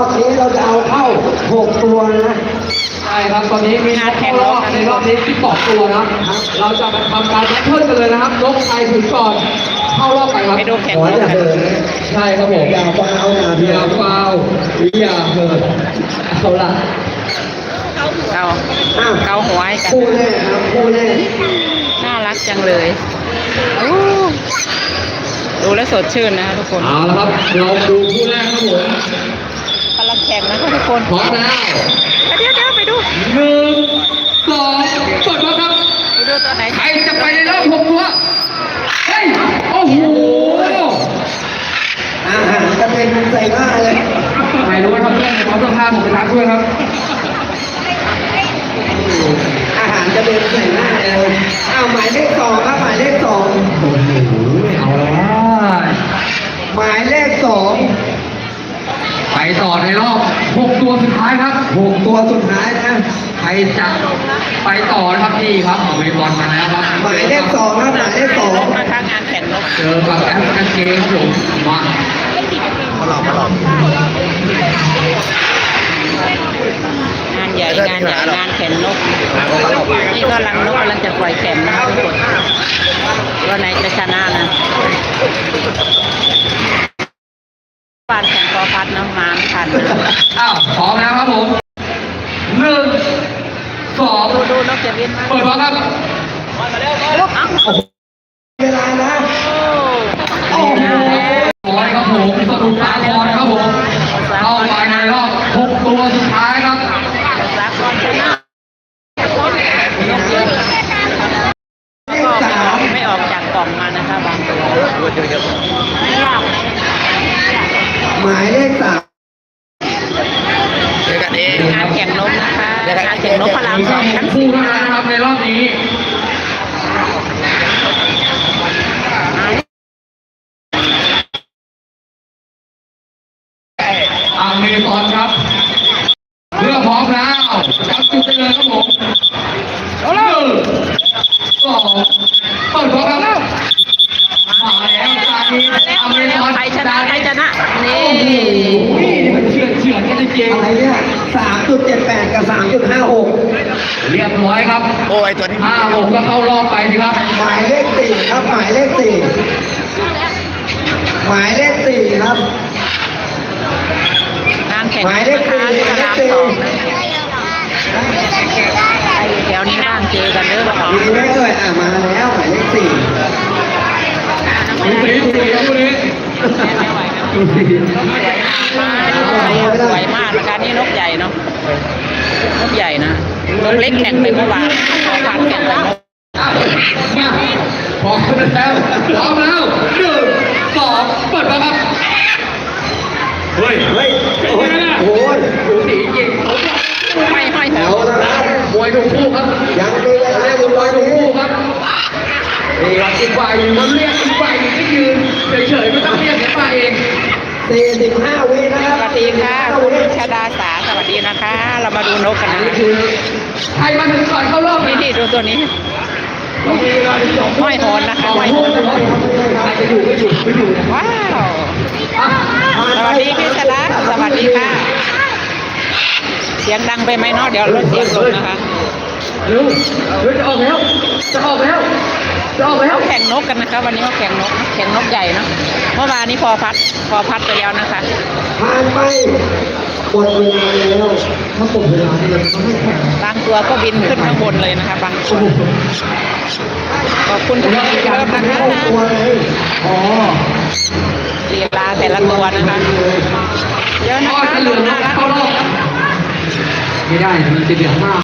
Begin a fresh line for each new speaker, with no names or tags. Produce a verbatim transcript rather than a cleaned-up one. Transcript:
อบนี้เราจะเอาเข้าหกตัวนะ
ใช่ครับตอนนี้มีนกเข้ารอบในรอบนี้ที่บอกตัวนะครับเราจะมาทำการแบทเทิลกันเลยนะครับนกใครถึงก่อนเข้ารอบไปครับ
ไปดูแข่ง
หัวน
ก
อย่า
กัน
เหิน
ใช่ครับผม
อย่าฟาวอย่า
อ
เหิ
ย่าน ฟาวหรืออย่าเหินเอาละ
เกา
อ้าว
เกาหัวให้กัน
คู่แรกครับคู่แรก
น่ารักจังเลยอู้ดูแล้วสดชื่นนะคะทุกคน
เอาละครับเราดูคู่แรกครับผม
กำลังแข่งนะคะทุกคน
พร้อมแล้ว
เดี๋ยวเดี๋ยวไปดู
หนึ่งสองเปิดมาครับ
ไปดูตัวไหน
ใครจะไปในรอบหกตัวเฮ้ยโอ้โห
อาหารจะเป็นใส่ผ้าเลย
ไม่รู้ว่าทำเรื่องอะไรเขาต้องพาผมไปทักด้วยครับ
อาหารจะเป็นใส่หน้าเลยอ้าวหมายเลขสองครับหมายเลขสอง
โอ้โหเอาละ
หมายเลขสอง
ไปต่อในรอบหกตัวสุดท้ายครับ
หกตัวสุดท้ายนะ
ใครจะไปต่อนะครับนี่ครับเอาไปบอลมาแล้วครับ
หมายเลขสองครับหมายเลขสอง
นะคะงานแข่งนก
เจอกับแอฟริกันเกมครับผมมา
มาหลอกมาหลอก
งานใหญ่งานใหญ่งานแข่งนกนี่ก็รังนกกำลังจะปล่อยแข่งนะคะทุกคนตัวไหนจะชนะนะปานแข่งพอพัดน้ำมันทัน
อ้าวพร้อมแล้วครับผมหนึ่งสอง
ดูดูนกจะบินมา
เปิดบอลครับ
ลูกเอ้า
เวลานะ
โอ้โห
ร้อยครับผมสรุปสากรครับผมเข้าไปในรอบหกตัวสุดท้ายครับ
สากลชนะก็ไม่ออกจากกล่องมานะคะบางตัว
หมายเลขสาม
งานแข่งนกนะคะงานแข่งนกพลัง
มี
สอง
ส
ชั้
อน ง
สี่
คู่เท่านั้นนะครับในรอบนี้อเมซอนครับเพื่อพร้อมแล้วจับจุดได้เลยครับผมหนึ่งสองเปิดบอลครับมาแล้วตาดีอเมซอน
ใครชนะใครชนะนี่
โอ้โหมันเฉือนเฉือนกันจริง
อะไรเนี่ยสามจุดเจ็ดแปดกับสามจุดห้าหก
เรียบร้อยครับโอ้ยตัวนี้ห้าหกก็เข้ารอบไปสิครับ
หมายเลขสี่ครับหมายเลขสี่หมายเลขสี่ครับ
งานแข่ง
หมายเลข
นะคะ
สี่
ที่พลังสองแถวนี้บ้างเจอกันเด้อละคร
มีไหมเอ่ยอ่ะมาแล้วหมายเลขสี่
ดูสิดูสิครับดูสิดูสิ
สวยมากนะคะนี่นกใหญ่เนาะนกใหญ่นะนกเล็กแข่งไปเมื่อวานพอพันแข่งกับนก
อ้าวมาพร้อมแล้วพร้อมแล้วหนึ่งสองเปิดมาครับเฮ้ย
เฮ้ย
เป็น
โอ้
ไง
ย
ล่ะ
โอ้ย
ดูสีจริง
ไม่ห้อยแถ
แถ
ว
วนะครับ
มวยถูกคู่ครับ
ยังมีเวลาอยู่ตอน
ถูก
นี้
คู่ครับนี่ครับอีกฝ่ายหนึ่งมันเรียกอีกฝ่ายหนึ่งก็ยืนเฉยๆไม่ต้องเรียกเดี๋ยวมาเอง
สี่สิบห้าวินะค
ส
รับ
วัสดีค่ะคุณชดาสาสวัสดีนะคะ เรามาดูนกกันนะ
นี่คือใครมาถึงก่อนเข้ารอบ
นี่นี่ดูตัวนี้
เรามีเวลาถึงสอง
ห้อยโหนนะคะ
ห้
ห้
อ
อย ย
โห
โห
น
น
ใครจะอยู่ก็อยู่ไม่อยู่นะ
ว้าว สวัสดีพี่ชดาสวัสดีค่ะ เสียงดังไปไหมเนาะเดี๋ยวลดเสียงลงนะคะ
เร็วเร็วจะออกแล้วจะออกแล้วจะออกแล้ว
เขาแข่งนกกันนะคะ วันนี้เขาแข่งนกแข่งนกใหญ่เนาะเมื่อวานนี้พอพัดพอพัดไปแล้วนะคะ
ผ่านไปหมดเวลาแล้วถ้าหมดเวลาเนี่ยเขาไม่แข่ง
บางตัวก็บินขึ้นข้างบนเลยนะคะ บางตัวขอบคุณทุกคนที่เริ่มนะคะ
เข้าตัวเลยอ๋อ
ลีลาแต่ละตัวนะคะเยอะนะ
ก็
คะ
จะเหลือ
น่ารัก
เข้ารอบไม่ได้มันจะเหลือมาก